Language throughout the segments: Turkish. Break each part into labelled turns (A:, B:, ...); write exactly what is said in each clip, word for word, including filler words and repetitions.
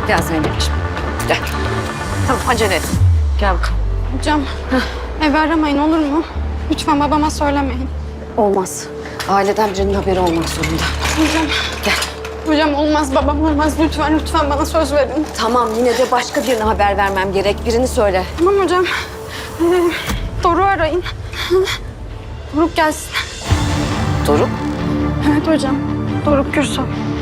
A: Gel Zeynep'ciğim. Gel. Tamam acele et. Gel bakalım.
B: Hocam, evi aramayın olur mu? Lütfen babama söylemeyin.
A: Olmaz. Aileden birinin haberi olmak zorunda.
B: Hocam.
A: Gel.
B: Hocam olmaz, babam olmaz. Lütfen, lütfen bana söz verin.
A: Tamam yine de başka birine haber vermem gerek. Birini söyle.
B: Tamam hocam. Ee, Doruk'u arayın. Doruk gelsin.
A: Doruk.
B: Evet hocam. Doruk Gürsel.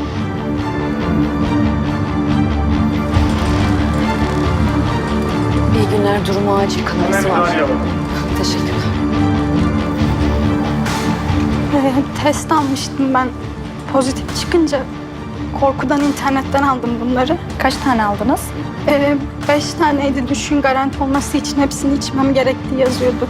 A: İyi günler. Durumu acil kanaması var. Teşekkürler.
B: Ee, test almıştım ben. Pozitif çıkınca korkudan internetten aldım bunları.
C: Kaç tane aldınız?
B: Ee, beş taneydi, düşün garanti olması için hepsini içmem gerektiği yazıyordu.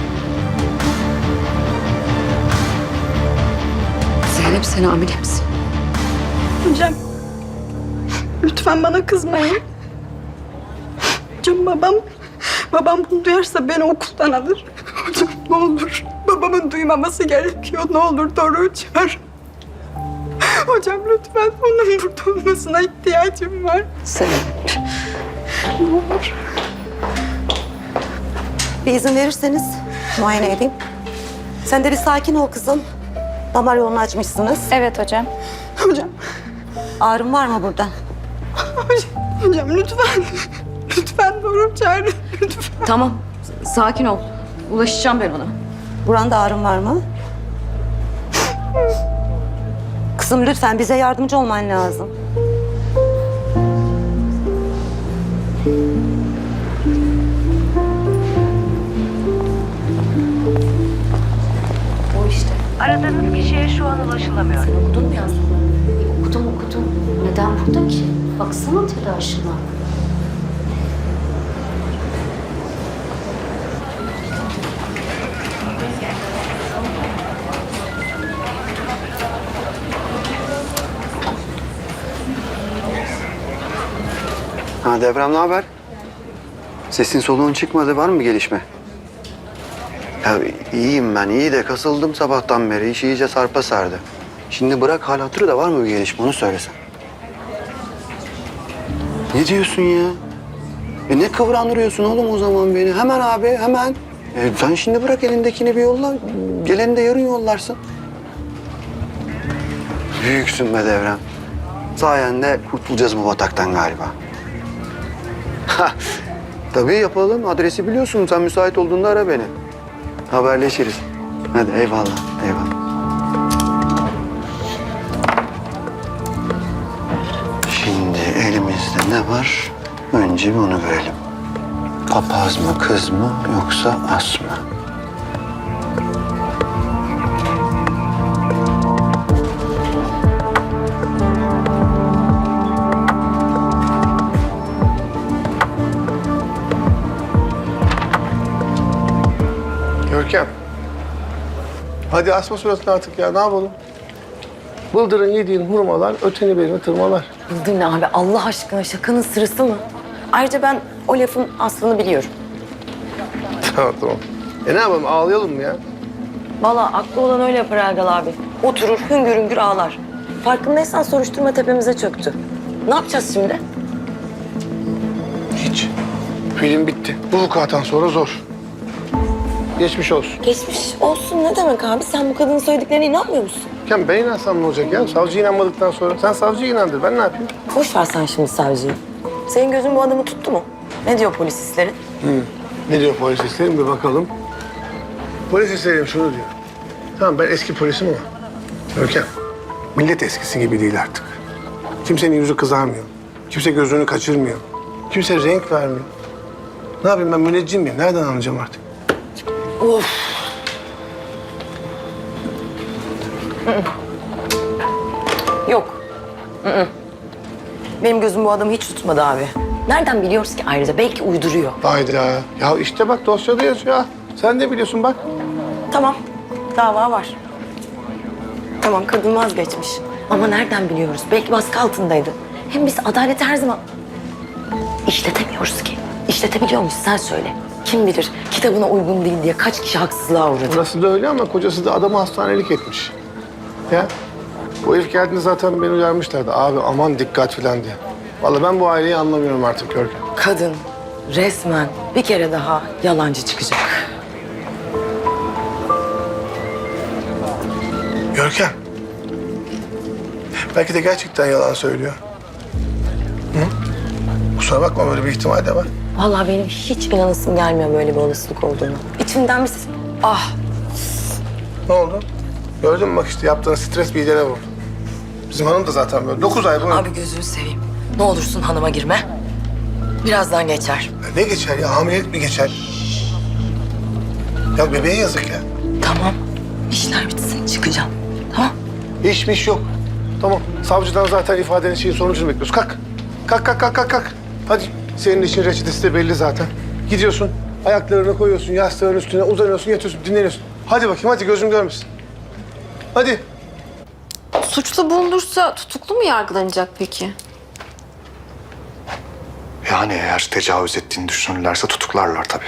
A: Zeynep sen hamile misin?
B: Hocam, lütfen bana kızmayın. Hocam babam, babam bunu duyarsa beni okuldan alır. Hocam ne olur, babamın duymaması gerekiyor. Ne olur Doruk'u çağır. Hocam lütfen onun burada olmasına ihtiyacım var.
A: Zeynep.
B: Ne olur.
D: Bir izin verirseniz muayene edeyim. Sen de bir sakin ol kızım. Damar yolunu açmışsınız.
C: Evet hocam.
B: Hocam,
D: Ağrım var mı burada?
B: hocam, hocam lütfen. Lütfen Doruk'u çağırın, lütfen.
A: Tamam. Sakin ol. Ulaşacağım ben ona.
D: Buranda ağrım var mı? Kızım lütfen bize yardımcı olman lazım.
A: O işte.
E: Aradığınız kişiye şu an ulaşılamıyor.
A: Sen okudun mu yazdıklarını? Okudum okudum. Neden burada ki? Baksana telaşına.
F: Ha Devrem ne haber? Sesin soluğun çıkmadı. Var mı bir gelişme? Ya iyiyim ben. İyi de kasıldım sabahtan beri. İş iyice sarpa sardı. Şimdi bırak hal hatırı da var mı bir gelişme onu söylesen. Ne diyorsun ya? E ne kıvrandırıyorsun oğlum o zaman beni? Hemen abi hemen. E sen şimdi bırak elindekini bir yolla. Geleni de yarın yollarsın. Büyüksün be Devrem. Sayende kurtulacağız bu bataktan galiba. Ha, tabii yapalım. Adresi biliyorsun. Sen müsait olduğunda ara beni. Haberleşiriz. Hadi eyvallah, eyvallah. Şimdi elimizde ne var? Önce bir onu görelim. Papaz mı, kız mı yoksa as mı?
G: Görkem. Hadi asma suratını artık ya. Ne yapalım? Bıldırın yediğin hurmalar, öteni berini tırmalar.
H: Bıldırın abi Allah aşkına şakanın sırası mı? Ayrıca ben o lafın aslını biliyorum.
G: Tamam tamam. E ne yapalım? Ağlayalım mı ya?
H: Vallahi aklı olan öyle yapar Erdal abi. Oturur hüngür hüngür ağlar. Farkındaysan soruşturma tepemize çöktü. Ne yapacağız şimdi?
G: Hiç. Film bitti. Bu vukuattan sonra zor. Geçmiş olsun.
H: Geçmiş olsun ne demek abi? Sen bu kadının söylediklerine inanmıyor musun?
G: Görkem ben inansam ne olacak ya? Savcı inanmadıktan sonra. Sen savcıyı inandır. Ben ne yapayım?
H: Boş ver sen şimdi savcıyı. Senin gözün bu adamı tuttu mu? Ne diyor polis hisleri?
G: Hı. Ne diyor polis hislerim bir bakalım. Polis hislerim şunu diyor. Tamam ben eski polisim ama. Görkem, millet eskisi gibi değil artık. Kimsenin yüzü kızarmıyor. Kimse gözünü kaçırmıyor. Kimse renk vermiyor. Ne yapayım ben müneccim miyim? Nereden anlayacağım artık?
H: Of. Yok. Hı-hı. Benim gözüm bu adamı hiç tutmadı abi. Nereden biliyoruz ki ayrıca? Belki uyduruyor.
G: Hayda. Ya işte bak dosyada yazıyor. Sen de biliyorsun bak.
H: Tamam, dava var. Tamam, kadın vazgeçmiş. Ama nereden biliyoruz? Belki baskı altındaydı. Hem biz adaleti her zaman işletemiyoruz ki. İşletebiliyor muyuz? Sen söyle. Kim bilir kitabına uygun değil diye kaç kişi haksızlığa uğradı.
G: Burası da öyle ama kocası da adamı hastanelik etmiş. Ya bu herif geldiğinde zaten beni uyarmışlardı. Abi aman dikkat filan diye. Vallahi ben bu aileyi anlamıyorum artık Görkem.
H: Kadın resmen bir kere daha yalancı çıkacak.
G: Görkem. Belki de gerçekten yalan söylüyor. Hı? Kusura bakma, böyle bir ihtimal de var.
H: Vallahi benim hiç inanasım gelmiyor böyle bir olasılık olduğunu. İçimden bir ses... Ah!
G: Ne oldu? Gördün mü bak işte yaptığın stres bir idene vurdu. Bizim hanım da zaten böyle dokuz ay boyunca...
H: Abi gözünü seveyim. Ne olursun hanıma girme. Birazdan geçer.
G: Ya ne geçer ya? Hamilelik mi geçer? Ya bebeğe yazık ya.
H: Tamam. İşler bitsin çıkacağım. Tamam.
G: Hiç bir iş yok. Tamam. Savcıdan zaten ifadenin şeyin sonucunu bekliyoruz. Kalk. Kalk, kalk, kalk, kalk, kalk. Hadi. Senin için reçetesi de belli zaten. Gidiyorsun, ayaklarını koyuyorsun, yastığın üstüne uzanıyorsun, yatıyorsun, dinleniyorsun. Hadi bakayım, hadi gözüm görmesin. Hadi.
C: Suçlu bulunursa tutuklu mu yargılanacak peki?
I: Yani eğer tecavüz ettiğini düşünürlerse tutuklarlar tabii.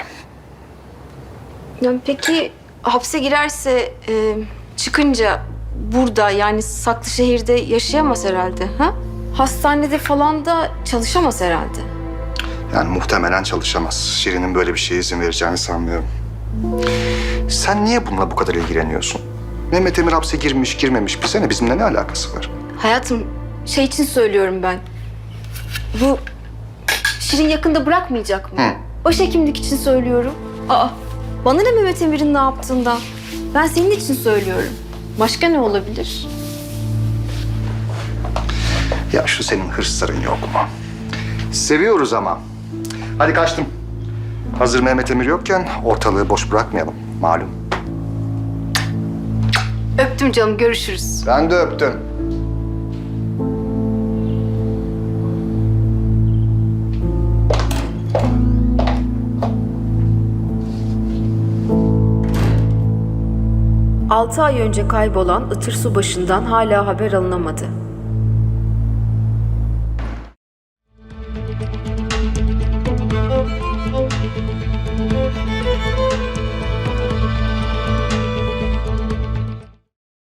C: Yani peki hapse girerse e, çıkınca burada yani saklı şehirde yaşayamaz herhalde, ha? Hastanede falan da çalışamaz herhalde.
I: Yani muhtemelen çalışamaz. Şirin'in böyle bir şeye izin vereceğini sanmıyorum. Sen niye bununla bu kadar ilgileniyorsun? Mehmet Emir hapse girmiş, girmemiş bize ne? Bizimle ne alakası var?
C: Hayatım şey için söylüyorum ben. Bu Şirin yakında bırakmayacak mı?
I: Hı.
C: Başhekimlik için söylüyorum. Aa, bana ne Mehmet Emir'in ne yaptığından? Ben senin için söylüyorum. Başka ne olabilir?
I: Ya şu senin hırsların yok mu? Seviyoruz ama. Hadi kaçtım. Hazır Mehmet Emir yokken ortalığı boş bırakmayalım. Malum.
C: Öptüm canım, görüşürüz.
I: Ben de öptüm.
J: Altı ay önce kaybolan Itır Subaşı'ndan hala haber alınamadı.